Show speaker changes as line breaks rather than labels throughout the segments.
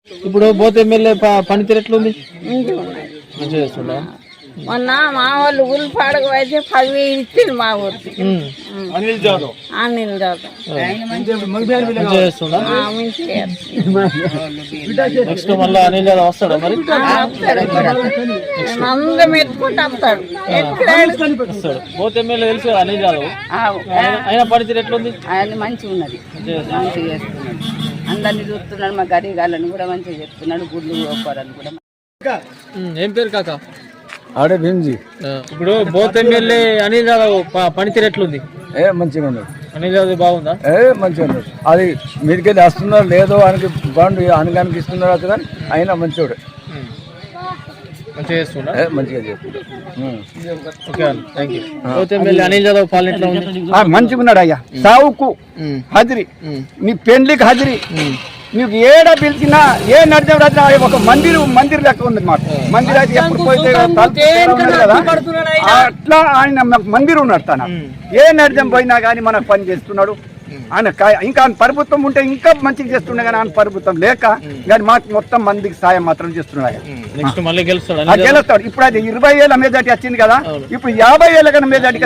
ఇప్పుడు both MLA పనితీరు ఎట్లుంది? మంచిగా చేస్తుందా?
మొన్న మా వాళ్ళు ఉల్లిపాడకు అయితే 10,000 ఇచ్చింది మా ఊరికి. అనిల్ జాదవ్
మంచిగా చేస్తుందా? నెక్స్ట్ మళ్ళీ అనిల్ జాదవ్ వస్తాడా మరి?
అందరం ఎత్తుకుంటూ వస్తాడు.
వస్తాడు. బోత్ ఎమ్మెల్యే తెలుసు అనిల్ జాదవ్. ఆయన పనితీరు ఎట్లుంది?
ఆయన మంచిగా ఉన్నది, మంచిగా చేస్తున్నాడు. అందరినీ చూస్తున్నాడు. మా గరీగాళ్ళని కూడా మంచిగా చెప్తున్నాడు. గుడ్లు గోపారాలు కూడా.
ఏం పేరు కాక?
ఆడే భీమ్జీ.
ఇప్పుడు బోత్ ఎమ్మెల్యే అనిల్ జాదవ్ పనితీరు ఎట్లుంది?
మంచిగా ఉన్నది.
అనిల్ జాదవ్ బాగుందా?
మంచిగా ఉన్నది. అది మీదికెళ్ళి వస్తున్నారు లేదో ఆయనకి బాండ్ అనగానికి ఇస్తున్నారు అతను, కానీ అయినా మంచివాడు.
మంచిగా చేస్తున్నా?
మంచిగా చేస్తున్నాడు.
బోత్ ఎమ్మెల్యే అనిల్ జాదవ్ పాలన ఎట్లా ఉంది?
మంచిగా ఉన్నాడు అయ్యా. సావుకు హాజరీ, నీ పెండ్లికి హాజరీ, నీకు ఏడా పిలిచినా ఏ నడిచిన ఒక మందిర్ లెక్క ఉంది మాట. మందిర్ అయితే ఎప్పుడు పోయితే కదా అట్లా ఆయన మందిర్ ఉన్నాడు. తన ఏ నడిచం పోయినా కానీ మనకు పని చేస్తున్నాడు ఆయన. ఇంకా ప్రభుత్వం ఉంటే ఇంకా మంచిగా చేస్తుండే, కానీ ఆయన ప్రభుత్వం లేక కానీ మాకు మొత్తం మందికి సాయం మాత్రం చేస్తున్నాడు. గెలుస్తాడు. ఇప్పుడు అది 20,000 మెజార్టీ వచ్చింది కదా, ఇప్పుడు 50,000 కన్నా మెజార్టీ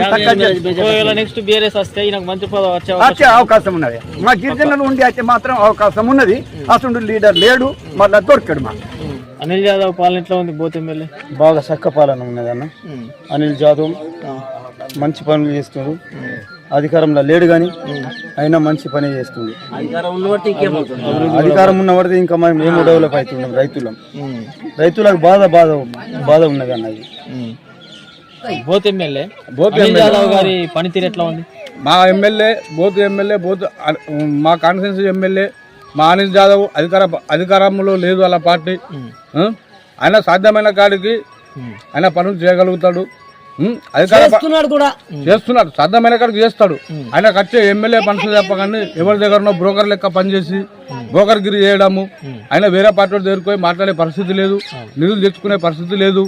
వచ్చే అవకాశం ఉన్నది. మా గిరిజనులు ఉండి అయితే మాత్రం అవకాశం ఉన్నది. అసలు లీడర్ లేడు, మళ్ళా దొరికాడు. మా
అనిల్ జాదవ్ పాలన ఎట్లా ఉంది? బోత్ ఎమ్మెల్యే
బాగా చక్క పాలన ఉన్నది అన్న. అనిల్ జాదవ్ మంచి పనులు చేస్తున్నాడు. అధికారంలో లేడు కానీ అయినా మంచి పని చేస్తుంది. అధికారం ఉన్న పడితే ఇంకా మేము డెవలప్ అవుతున్నాం. రైతులకు బాధ ఉన్నది అన్నది.
బోత్ ఎమ్మెల్యే జాదవ్ గారి పనితీరు ఎట్లా ఉంది?
మా ఎమ్మెల్యే మా కాన్స్టిట్యున్సీ ఎమ్మెల్యే మా అనిల్ జాదవ్ అధికారంలో లేదు వాళ్ళ పార్టీ. ఆయన సాధ్యమైన కాడికి ఆయన పనులు చేయగలుగుతాడు. చేస్తున్నాడు, సాధ్యమైన కాడికి చేస్తాడు. ఆయన వచ్చే ఎమ్మెల్యే పనులు చెప్పగానే ఎవరి దగ్గర బ్రోకర్ లెక్క పనిచేసి బ్రోకర్గిరి చేయడము. ఆయన వేరే పార్టీ దగ్గరికి పోయి మాట్లాడే పరిస్థితి లేదు, నిధులు తెచ్చుకునే పరిస్థితి లేదు.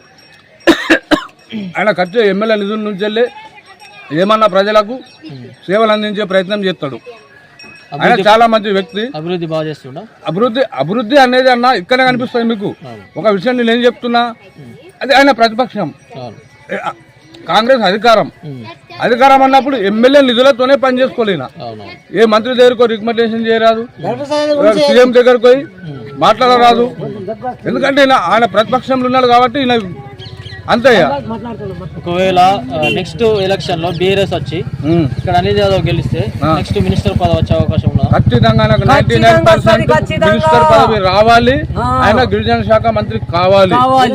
ఆయన వచ్చే ఎమ్మెల్యే నిధుల నుంచి వెళ్ళి ఏమన్నా ప్రజలకు సేవలు అందించే ప్రయత్నం చేస్తాడు. ఆయన చాలా మంచి వ్యక్తి.
అభివృద్ధి బాగా చేస్తున్నా.
అభివృద్ధి అనేది అన్న ఇక్కడే కనిపిస్తుంది మీకు. ఒక విషయం నేను ఏం చెప్తున్నా, అది ఆయన ప్రతిపక్షం, కాంగ్రెస్ అధికారం అన్నప్పుడు ఎమ్మెల్యే నిధులతోనే పని చేసుకోలేనా. ఏ మంత్రి దగ్గరకు రికమెండేషన్ చేయరాదు, సీఎం దగ్గరకు పోయి మాట్లాడరాదు. ఎందుకంటే ఆయన ప్రతిపక్షంలో ఉన్నాడు కాబట్టి ఈయన అంతయ్యా.
ఒకవేళ నెక్స్ట్ ఎలక్షన్ లో బీఆర్ఎస్ వచ్చి ఇక్కడ అనిల్ జాదవ్ గెలిస్తే నెక్స్ట్ మినిస్టర్ పదవి వచ్చే అవకాశం ఉందా?
ఖచ్చితంగా 99% మినిస్టర్ పదవి రావాలి. ఆయన గిరిజన శాఖ మంత్రి కావాలి.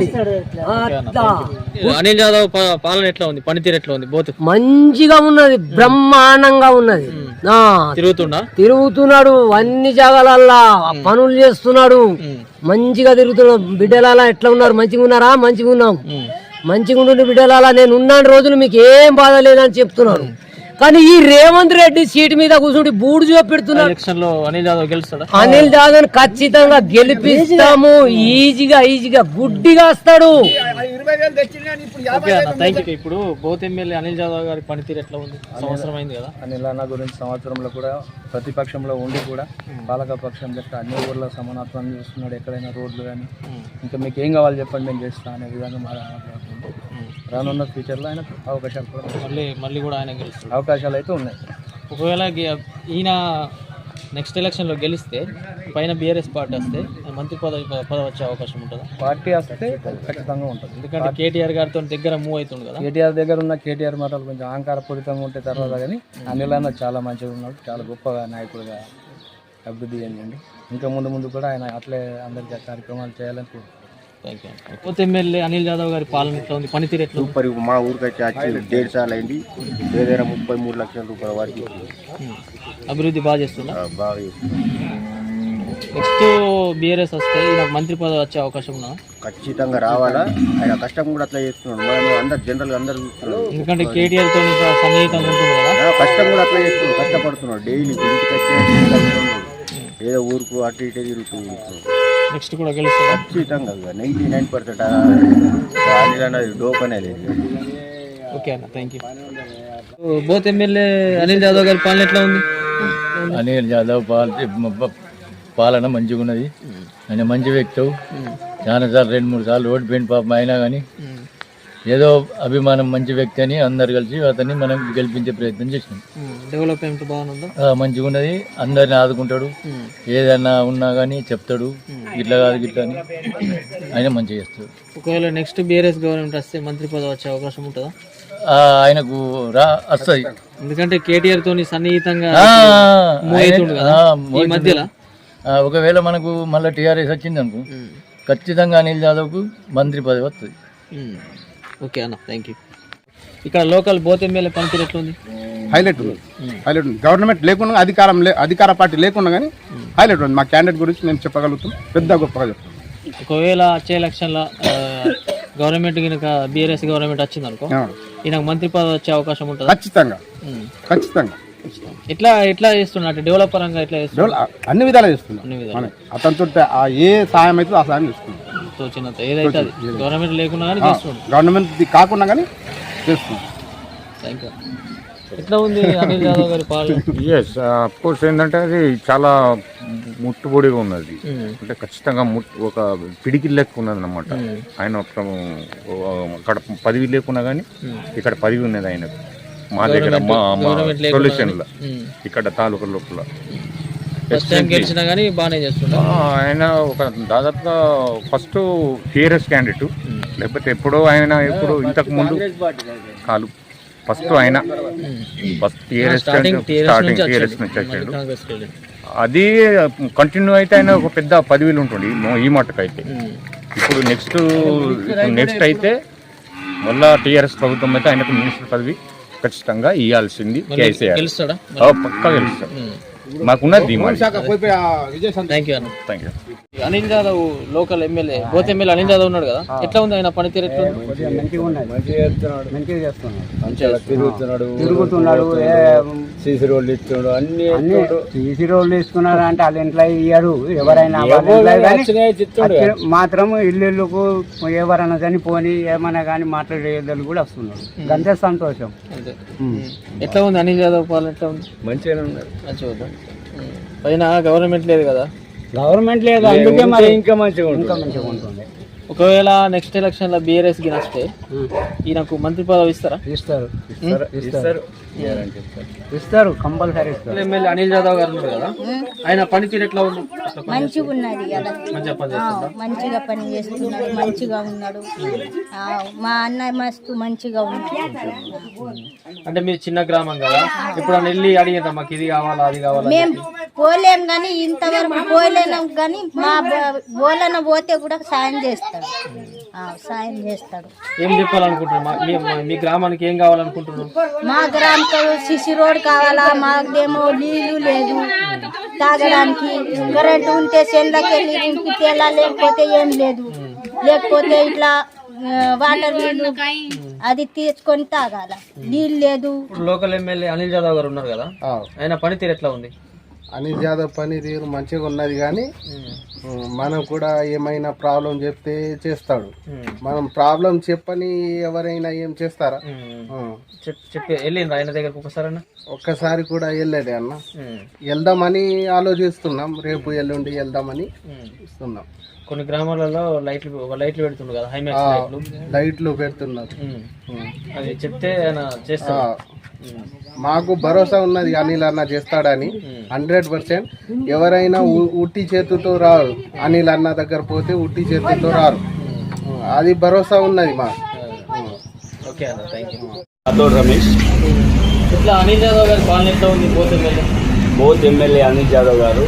అనిల్ జాదవ్ పాలన ఎట్లా ఉంది? పనితీరు ఎట్లా ఉంది? బోత్
మంచిగా ఉన్నది, బ్రహ్మాండంగా ఉన్నది. తిరుగుతున్నాడు, అన్ని జాగాలల్లా పనులు చేస్తున్నాడు. మంచిగా తిరుగుతున్నాడు. బిడ్డలాలా ఎట్లా ఉన్నారు? మంచిగా ఉన్నారా? మంచిగా ఉన్నాం. మంచిగా ఉండు బిడ్డలాలా, నేను ఉన్నాను రోజులు మీకు ఏం బాధ లేదని చెప్తున్నాడు. కానీ ఈ రేవంత్ రెడ్డి సీటు మీద కూర్చుంటే బూడు చూపెడుతున్నాడు. అనిల్ జాదవ్ ఖచ్చితంగా గెలిపిస్తాము. ఈజీగా గుడ్డిగా వస్తాడు.
ఇప్పుడు బోత్ ఎమ్మెల్యే అనిల్ జాదవ్ గారి పనితీరు ఎట్లా ఉంది? సంవత్సరం అయింది కదా.
అనిల్ అన్న గురించి సంవత్సరంలో కూడా ప్రతిపక్షంలో ఉండి కూడా పాలక పక్షం లెక్క అన్ని ఊర్ల సమానత్వాన్ని చూస్తున్నాడు. ఎక్కడైనా రోడ్లు కానీ ఇంకా మీకు ఏం కావాలి చెప్పండి నేను చేస్తా అనే విధంగా రానున్న ఫ్యూచర్లో ఆయన అవకాశాలు కూడా
మళ్ళీ కూడా ఆయన గెలుస్తాడు.
అవకాశాలు అయితే ఉన్నాయి.
ఒకవేళ ఈయన నెక్స్ట్ ఎలక్షన్లో గెలిస్తే పైన బీఆర్ఎస్ పార్టీ వస్తే మంత్రి పదవి వచ్చే అవకాశం ఉంటుందా?
పార్టీ వస్తే ఖచ్చితంగా ఉంటుంది.
ఎందుకంటే కేటీఆర్ గారితో దగ్గర మూవ్ అవుతుంది కదా.
కేటీఆర్ దగ్గర ఉన్న కేటీఆర్ మాటలు కొంచెం అహంకారపూరితంగా ఉంటే తర్వాత కానీ అనిల్ అన్న చాలా మంచిగా ఉన్నాడు. చాలా గొప్పగా నాయకుడిగా అభివృద్ధి చెందండి. ఇంకా ముందు కూడా ఆయన అట్లే అందరికీ కార్యక్రమాలు చేయాలని కోరుకుంటున్నాను.
బోత్ ఎమ్మెల్యే అనిల్ జాదవ్ గారి పాలన ఎట్లా ఉంది? పనితీరు ఎట్లా?
సూపర్. మా ఊరికి వచ్చి 1.5 సార్లు అయింది. ఏదైనా 33 లక్షల రూపాయల వరకు
అభివృద్ధి బాగా చేస్తున్నా.
బాగా చేస్తున్నా.
నెక్స్ట్ బీఆర్ఎస్ వస్తే నాకు మంత్రి పదవి వచ్చే అవకాశం ఉన్నా?
ఖచ్చితంగా రావాలా. ఆయన కష్టం కూడా అట్లా చేస్తున్నాడు. మనం అందరు జనరల్గా అందరు చూస్తున్నాడు.
ఎందుకంటే కేటీఆర్ తో సన్నిహితంగా ఉంటుంది కదా.
కష్టం కూడా అట్లా చేస్తున్నాడు, కష్టపడుతున్నాడు. డైలీ ఇంటికి వచ్చే ఏదో ఊరుకు అటు ఇటు తిరుగుతున్నాడు.
నెక్స్ట్ కూడా గెలుస్తాడు
ఖచ్చితంగా. 99% అనిల్ అనేది డోప్ అనేది.
ఓకే అన్న, thank you. Boath MLA Anil Jadhav గారి పాలన ఎట్లా ఉంది?
అనిల్ జాదవ్ పాలన మంచిగా ఉన్నది. ఆయన మంచి వ్యక్తి, చాలా సార్లు 2-3 సార్లు ఓడిపోయిన పాపం అయినా కానీ ఏదో అభిమానం, మంచి వ్యక్తి అని అందరు కలిసి అతన్ని మనం గెలిపించే ప్రయత్నం చేసినాం.
డెవలప్మెంట్ బాగుందా?
మంచిగా ఉన్నది, అందరిని ఆదుకుంటాడు, ఏదైనా ఉన్నా కానీ చెప్తాడు, ఇట్లా కాదు గిట్లా అని ఆయన మంచిగా చేస్తాడు.
ఒకవేళ నెక్స్ట్ బీఆర్ఎస్ గవర్నమెంట్ వస్తే మంత్రి పదవి వచ్చే అవకాశం ఉంటుందా?
ఆయనకు వస్తుంది,
ఎందుకంటే కేటీఆర్ తోని సన్నిహితంగా ఈ మధ్యలో.
ఒకవేళ మనకు మళ్ళీ టీఆర్ఎస్ వచ్చింది అనుకో, ఖచ్చితంగా అనిల్ యాదవ్కు మంత్రి పదవి వస్తుంది.
ఓకే అన్న, థ్యాంక్ యూ. ఇక్కడ లోకల్ బోత్ ఎమ్మెల్యే పనితీరు ఎట్లుంది?
హైలైట్ ఉంది. గవర్నమెంట్ లేకుండా అధికార పార్టీ లేకుండా కానీ హైలైట్ ఉంది. మా క్యాండిడేట్ గురించి నేను చెప్పగలుగుతాను, పెద్ద గొప్పగా చెప్తాను.
ఒకవేళ వచ్చే ఎలక్షన్లో గవర్నమెంట్ కనుక బీఆర్ఎస్ గవర్నమెంట్ వచ్చింది అనుకో, ఈయనకు మంత్రి పదవి వచ్చే అవకాశం ఉంటుంది?
ఖచ్చితంగా ఖచ్చితంగా.
ఎట్లా చేస్తున్నా డెవలప్ పరంగా ఎట్లా చేస్తున్నా?
అన్ని విధాలు చేస్తున్నాం. అతనితో ఏ సాయం అయితే ఆ సాయం చేస్తున్నాం.
చిన్న ఏదైతే గవర్నమెంట్ లేకుండా కానీ చేస్తున్నాం,
గవర్నమెంట్ కాకుండా కానీ చేస్తున్నాం.
Thank you. ఎట్లా ఉంది అనిల్ యాదవ్ గారి పాలన?
ఎస్, అఫ్ కోర్స్ ఏంటంటే అది చాలా ముట్టుబడిగా ఉన్నది. అంటే ఖచ్చితంగా ఒక పిడికిల్ లెక్క ఉన్నది అన్నమాట. ఆయన అక్కడ పదవి లేకున్నా కానీ ఇక్కడ పదవి ఉన్నది ఆయనకు. మా దగ్గర మా సొల్యూషన్లో ఇక్కడ తాలూకా లోపల ఆయన ఒక దాదాపుగా ఫస్ట్ టీఆర్ఎస్ క్యాండిడేట్, లేకపోతే ఎప్పుడో ఆయన ఎప్పుడు ఇంతకు ముందు కాలు ఫస్ట్ ఆయన టీఆర్ఎస్ టీఆర్ఎస్ నుంచి వచ్చాడు. అది కంటిన్యూ అయితే ఆయన ఒక పెద్ద పదవిలో ఉంటుంది ఈ మట్టుకైతే. ఇప్పుడు నెక్స్ట్ అయితే మళ్ళా టీఆర్ఎస్ ప్రభుత్వం అయితే ఆయనకు మినిస్టర్ పదవి ఖచ్చితంగా ఇవ్వాల్సింది. కేసీఆర్ పక్కా గెలుస్తాడు, మాకున్నది.
Anil Yadav local MLA, Boath MLA Anil Yadav ఉన్నాడు కదా, ఎట్లా ఉంది ఆయన పనితీరు?
తిరుగుతున్నాడు, సీసీ రోడ్లు ఇస్తున్నాడు, అన్ని సీసీ రోడ్లు ఇస్తున్నారు. అంటే వాళ్ళ ఇంట్లో ఇయ్యారు, ఎవరైనా మాత్రం ఇల్లుకు ఎవరైనా కానీ పోని ఏమైనా కానీ మాట్లాడేదాన్ని కూడా వస్తున్నారు. అంతే సంతోషం.
ఎట్లా ఉంది అనిల్ యాదవ్ పాలన? ఎట్లా ఉంది?
మంచిగానే ఉన్నారు.
మంచిగా పైన గవర్నమెంట్ లేదు కదా,
గవర్నమెంట్ లేదు, అందుకే మరి ఇంకా మంచిగా ఉంటుంది.
ఒకవేళ నెక్స్ట్ ఎలక్షన్ లో బీఆర్ఎస్ కి వస్తే ఈయనకు మంత్రి పదవి ఇస్తారా? ఇస్తారు కంపల్సరీ ఇస్తారు. ఎమ్మెల్యే అనిల్ యాదవ్ గారు ఉన్నారు కదా, ఆయన పనితీరు ఎట్లా ఉంది?
మంచిగా ఉన్నది కదా, మంచిగా పని చేస్తున్నాడు, మంచిగా ఉన్నాడు. మా అన్న మస్తు మంచిగా ఉన్నాడు.
అంటే మీరు చిన్న గ్రామం కదా, ఇప్పుడు వెళ్ళి అడిగారా మాకు ఇది కావాలా అది కావాలా?
మేము పోలేం కానీ ఇంతవరకు పోలేం కానీ మా బోలన పోతే కూడా సాయం చేస్తాడు.
ఏం చెప్పాలనుకుంటున్నారు? మీ గ్రామానికి ఏం కావాలనుకుంటున్నారు?
మా గ్రామంలో సిసి రోడ్ కావాలా, మాకేమో నీళ్లు లేదు తాగడానికి, కరెంట్ ఉంటే చెల్లకి ఇంటికి తేలా, లేకపోతే ఏం లేదు, లేకపోతే ఇట్లా వాటర్ నీళ్ళు అది తీసుకొని తాగాల, నీళ్ళు లేదు.
లోకల్ ఎమ్మెల్యే అనిల్ యాదవ్ గారు ఉన్నారు కదా, ఆయన పనితీరు ఎట్లా ఉంది?
అనిల్ యాదవ్ పనితీరు మంచిగా ఉన్నది, కానీ మనం కూడా ఏమైనా ప్రాబ్లం చెప్తే చేస్తాడు. మనం ప్రాబ్లం చెప్పని ఎవరైనా ఏం చేస్తారా?
చెప్పి వెళ్ళిండ్రా ఆయన దగ్గరకు ఒకసారి?
ఒక్కసారి కూడా వెళ్ళలేదే అన్న. వెళ్దామని ఆలోచిస్తున్నాం, రేపు ఎల్లుండి వెళ్దామని ఇస్తున్నాం.
కొన్ని గ్రామాలలో లైట్లు పెడుతుండ్రు కదా, హైమాక్స్
లైట్లు పెడుతున్నారు.
అది చెప్తే ఆయన చేస్తాడు.
మాకు భరోసా ఉన్నది అనిల్ అన్న చేస్తాడని 100%. ఎవరైనా ఉట్టి చేతితో రారు, అనిల్ అన్న దగ్గర పోతే ఉట్టి చేతితో రారు, అది భరోసా ఉన్నది మాకు.
ఓకే అన్న, థ్యాంక్ యూ.
రాథోడ్ రమేష్.
ఇట్లా అనిల్ యాదవ్ గారి పాలన ఎట్లా ఉంది?
బోత్ ఎమ్మెల్యే అనిల్ యాదవ్ గారు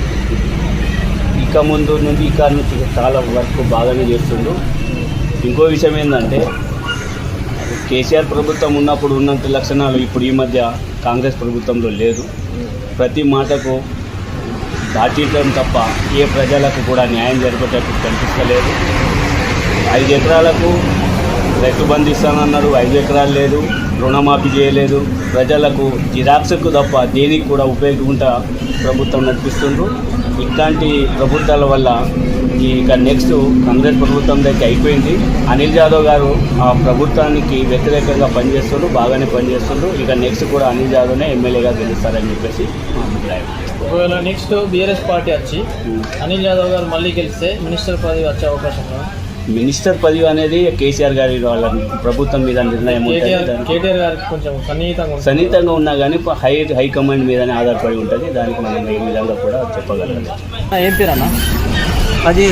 ఇక ముందు నుండి చాలా వర్క్ బాగానే చేస్తుండ్రు. ఇంకో విషయం ఏంటంటే కేసీఆర్ ప్రభుత్వం ఉన్నప్పుడు ఉన్నంత లక్షణాలు ఇప్పుడు ఈ మధ్య కాంగ్రెస్ ప్రభుత్వంలో లేదు. ప్రతి మాటకు దాచిటం తప్ప ఏ ప్రజలకు కూడా న్యాయం జరిగేటట్టు కనిపిస్తలేదు. 5 ఎకరాలకు రైతు బంధు ఇస్తానన్నాడు, 5 ఎకరాలు లేదు, రుణమాఫీ చేయలేదు. ప్రజలకు జిరాక్స్కు తప్ప దేనికి కూడా ఉపయోగంగా ప్రభుత్వం నడిపిస్తుండ్రు. ఇట్లాంటి ప్రభుత్వాల వల్ల ఇక నెక్స్ట్ కాంగ్రెస్ ప్రభుత్వం దగ్గర అయిపోయింది. అనిల్ యాదవ్ గారు ఆ ప్రభుత్వానికి వ్యతిరేకంగా పనిచేస్తుండ్రు, బాగానే పనిచేస్తుండ్రు. ఇక నెక్స్ట్ కూడా అనిల్ యాదవ్నే ఎమ్మెల్యేగా గెలుస్తారని చెప్పేసి మా అభిప్రాయం.
ఒకవేళ నెక్స్ట్ బీఆర్ఎస్ పార్టీ వచ్చి అనిల్ యాదవ్ గారు మళ్ళీ గెలిస్తే మినిస్టర్ పదవి వచ్చే అవకాశం ఉందా?
మినిస్టర్ పదవి అనేది కేసీఆర్ గారి వాళ్ళ ప్రభుత్వం మీద నిర్ణయం ఉంటుంది.
కేటీఆర్ గారికి కొంచెం
సన్నిహితంగా ఉన్నా కానీ హైకమాండ్ మీదనే ఆధారపడి ఉంటుంది. దానికి మనం ఈ విధంగా కూడా చెప్పగలం.
ఏం పేరు అన్న? అది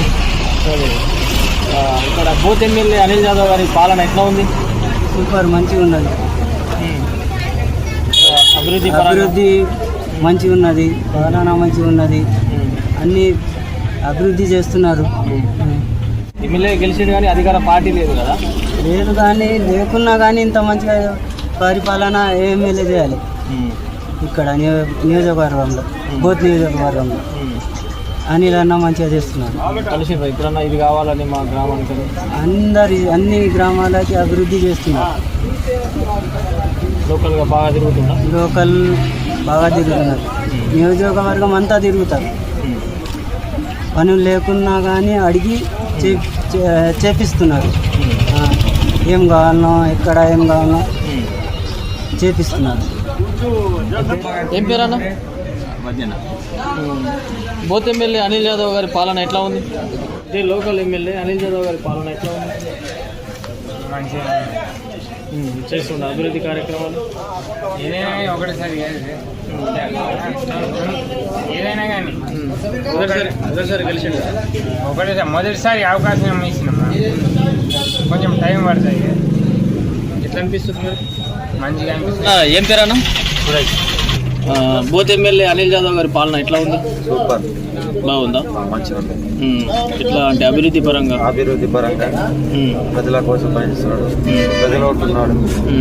ఇక్కడ బూత్ ఎమ్మెల్యే అనిల్ యాదవ్ గారి పాలన ఎట్లా ఉంది?
సూపర్, మంచిగా ఉన్నది.
అభివృద్ధి
మంచిగా ఉన్నది, పాలన మంచిగా ఉన్నది, అన్ని అభివృద్ధి చేస్తున్నారు.
ఎమ్మెల్యే గెలిచింది కానీ అధికార పార్టీ లేదు కదా?
లేదు, కానీ లేకున్నా కానీ ఇంత మంచిగా పరిపాలన ఎమ్మెల్యే చేయాలి ఇక్కడ నియోజకవర్గంలో, బోత్ నియోజకవర్గంలో. అనిల్ అన్న మంచిగా చేస్తున్నారు.
కలిసి ఇప్పుడన్నా ఇది కావాలని మా గ్రామానికి
అన్ని గ్రామాలకి అభివృద్ధి చేస్తున్నారు.
లోకల్గా బాగా తిరుగుతున్నారు.
నియోజకవర్గం అంతా తిరుగుతారు. పనులు లేకున్నా కానీ అడిగి చేపిస్తున్నారు. ఏం కావాలనో, ఎక్కడ ఏం కావాలనో చేపిస్తున్నారు.
ఏం పేరు అన్న? బోత్ ఎమ్మెల్యే అనిల్ యాదవ్ గారి పాలన ఎట్లా ఉంది? ఇదే లోకల్ ఎమ్మెల్యే అనిల్ యాదవ్ గారి పాలన ఎట్లా ఉంది? మంచిగా చేస్తుండ అభివృద్ధి కార్యక్రమాలు ఒకటేసారి ఏదైనా కానీ మొదటిసారి గెలిచిండు. మొదటిసారి అవకాశం ఇచ్చినమ్మా, కొంచెం టైం పడుతుంది. ఎట్లా అనిపిస్తుంది మరి? మంచిగా అనిపిస్తుంది. ఏం పేరు అన్న? బోత్ ఎమ్మెల్యే అనిల్ యాదవ్ గారి పాలన ఎట్లా ఉంది?
సూపర్,
బాగుందా?
మంచిగా ఉంది.
ఎట్లా అంటే అభివృద్ధి పరంగా
ప్రజల కోసం పనిచేస్తున్నాడు, ప్రజలు ఉంటున్నాడు.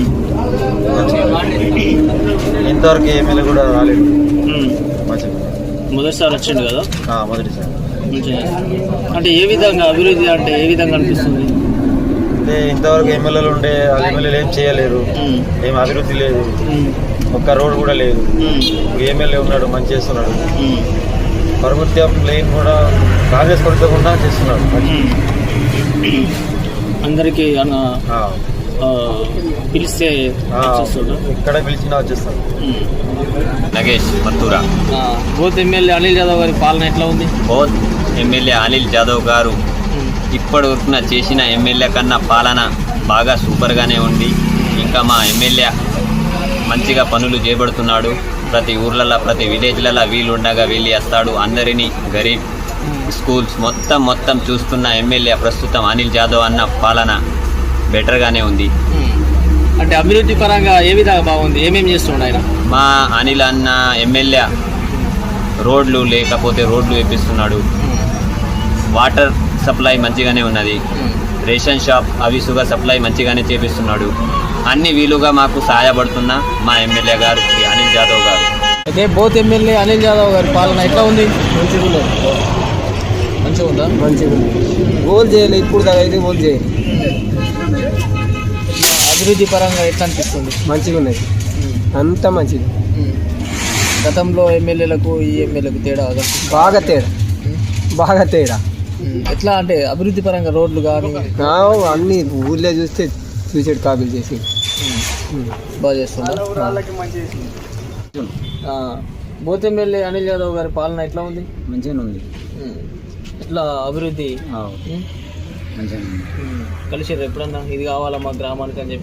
ఇంతవరకు ఎమ్మెల్యే కూడా రాలేదు.
మొదటిసారి వచ్చిండు కదా?
మొదటిసారి.
అంటే ఏ విధంగా అభివృద్ధి అంటే ఏ విధంగా అనిపిస్తుంది?
అంటే ఇంతవరకు ఎమ్మెల్యేలు ఉండే ఎమ్మెల్యేలు ఏం చేయలేరు, ఏం అభివృద్ధి లేదు, ఒక్క రోడ్ కూడా లేదు. ఎమ్మెల్యే ఉన్నాడు, మంచి చేస్తున్నాడు. ప్రభుత్వం లేని కూడా కాంగ్రెస్ ప్రభుత్వం కూడా చేస్తున్నాడు.
అందరికీ పిలిస్తే
ఇక్కడ పిలిచినా వచ్చేస్తాడు.
నగేష్ మత్తూరా.
బోత్ ఎమ్మెల్యే అనిల్ యాదవ్ గారి పాలన ఎట్లా ఉంది?
బోత్ ఎమ్మెల్యే అనిల్ యాదవ్ గారు ఇప్పటి వరకు చేసిన ఎమ్మెల్యే కన్నా పాలన బాగా సూపర్గానే ఉంది. ఇంకా మా ఎమ్మెల్యే మంచిగా పనులు చేపడుతున్నాడు. ప్రతి ఊర్లలో, ప్రతి విలేజ్లలో వీలుండగా వెళ్ళి వస్తాడు. అందరినీ గరీబ్ స్కూల్స్ మొత్తం చూస్తున్న ఎమ్మెల్యే ప్రస్తుతం అనిల్ యాదవ్ అన్న పాలన బెటర్గానే ఉంది.
అంటే అభివృద్ధి పరంగా ఏ విధంగా బాగుంది? ఏమేమి చేస్తున్నాడు ఆయన?
మా అనిల్ అన్న ఎమ్మెల్యే రోడ్లు లేకపోతే రోడ్లు వేపిస్తున్నాడు. వాటర్ సప్లై మంచిగానే ఉన్నది. రేషన్ షాప్ అవిసుగా సప్లై మంచిగానే చేపిస్తున్నాడు. అన్ని వీలుగా మాకు సహాయపడుతున్న మా ఎమ్మెల్యే గారు అనిల్ యాదవ్ గారు.
అదే బోత్ ఎమ్మెల్యే అనిల్ యాదవ్ గారి పాలన ఎట్లా ఉంది? మంచిగా ఉందా?
మంచిగా ఉంది. గోల్ చేయాలి, ఇప్పుడు దాకా అయితే గోల్ చేయాలి.
అభివృద్ధి పరంగా ఎట్లా అనిపిస్తుంది?
మంచిగా ఉన్నది, అంతా మంచిది.
గతంలో ఎమ్మెల్యేలకు ఈ ఎమ్మెల్యేలకు తేడా?
బాగా తేడా.
ఎట్లా అంటే అభివృద్ధి పరంగా రోడ్లు కానీ
అన్ని ఊళ్ళో చూస్తే సూసైడ్ కాపీలు చేసి
బాగా చేస్తున్నారు. బోత్ ఎమ్మెల్యే అనిల్ యాదవ్ గారి పాలన ఎట్లా ఉంది?
మంచిగానే ఉంది.
ఇట్లా అభివృద్ధి
మంచిగా
కలిసిరు ఎప్పుడన్నా ఇది కావాలా మా గ్రామానికి అని చెప్పి?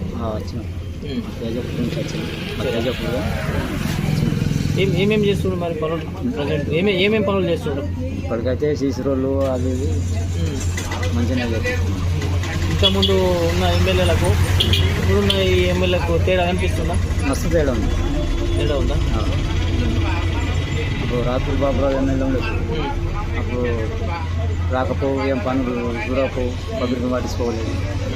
ఏమేమి చేస్తుండ్రు మరి పనులు? ప్రజెంట్ ఏమేమి పనులు చేస్తుండ్రు?
ఇప్పటికైతే సీసీ రోడ్లు అది మంచిగా.
ఇంతకుముందు ఉన్న ఎమ్మెల్యేలకు ఇప్పుడున్న ఈ ఎమ్మెల్యేలకు తేడా అనిపిస్తుందా?
మస్తు తేడా ఉంది.
తేడా ఉందా?
ఇప్పుడు రాత్రి బాబురావు ఎమ్మెల్యే ఉండదు, అప్పుడు రాకపోవు, ఏం పనులు చూడకపోవు, పబ్లిక్ పట్టించుకోలేదు.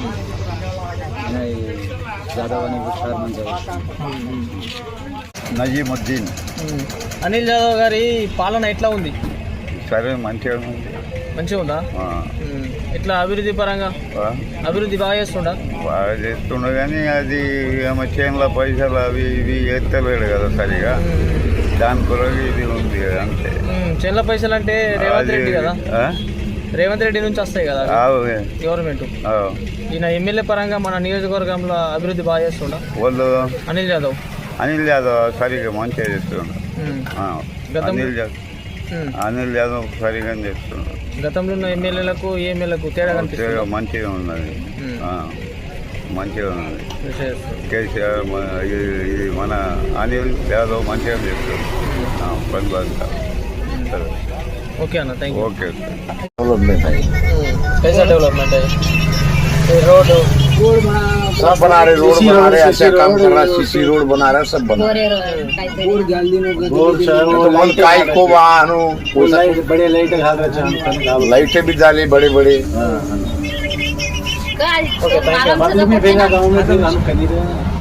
యాదవ్ అని సార్ మంచిగా.
నజీముద్దీన్.
అనిల్ యాదవ్ గారి పాలన ఎట్లా ఉంది?
సరే, మంచిగా ఉంది.
మంచిగా ఉందా? ఎట్లా అభివృద్ధి పరంగా అభివృద్ధి బాగా చేస్తుండా?
బాగా చేస్తుండ కానీ అది ఏమో చేనుల పైసలు అవి ఇవి ఎత్తలేడు కదా సరిగా, దాని కొరకు ఇది ఉంది కదా అంతే.
చేనుల పైసలు అంటే రేవంత్ రెడ్డి కదా, రేవంత్ రెడ్డి నుంచి వస్తాయి కదా గవర్నమెంట్. ఈయన ఎమ్మెల్యే పరంగా మన నియోజకవర్గంలో అభివృద్ధి బాగా చేస్తుండా?
వాళ్ళు
అనిల్ యాదవ్
సరిగా మంచిగా చేస్తుండ.
అనిల్ యాదవ్ సరిగా చేస్తున్నాడు.
గతంలో ఉన్న ఎమ్మెల్యేలకు ఈ ఎమ్మెల్యేలకు తేడా కనిపిస్తుంది.
మంచిగా ఉన్నది, మంచిగా ఉన్నది. కేసీఆర్ ఇది మన అనిల్ యాదవ్ మంచిగా చేస్తాడు పని బాగా.
ఓకే అన్న, థ్యాంక్ యూ.
ఓకే.
कैसा डेवलपमेंट है? रोड
सब बना रहे, रोड बना रहे, अच्छा काम कर रहा है, सीसी रोड बना रहा है, सब बना रहे। को वाहनों बड़े लाइटें भी डाली बड़े बड़े।
Okay, thank you.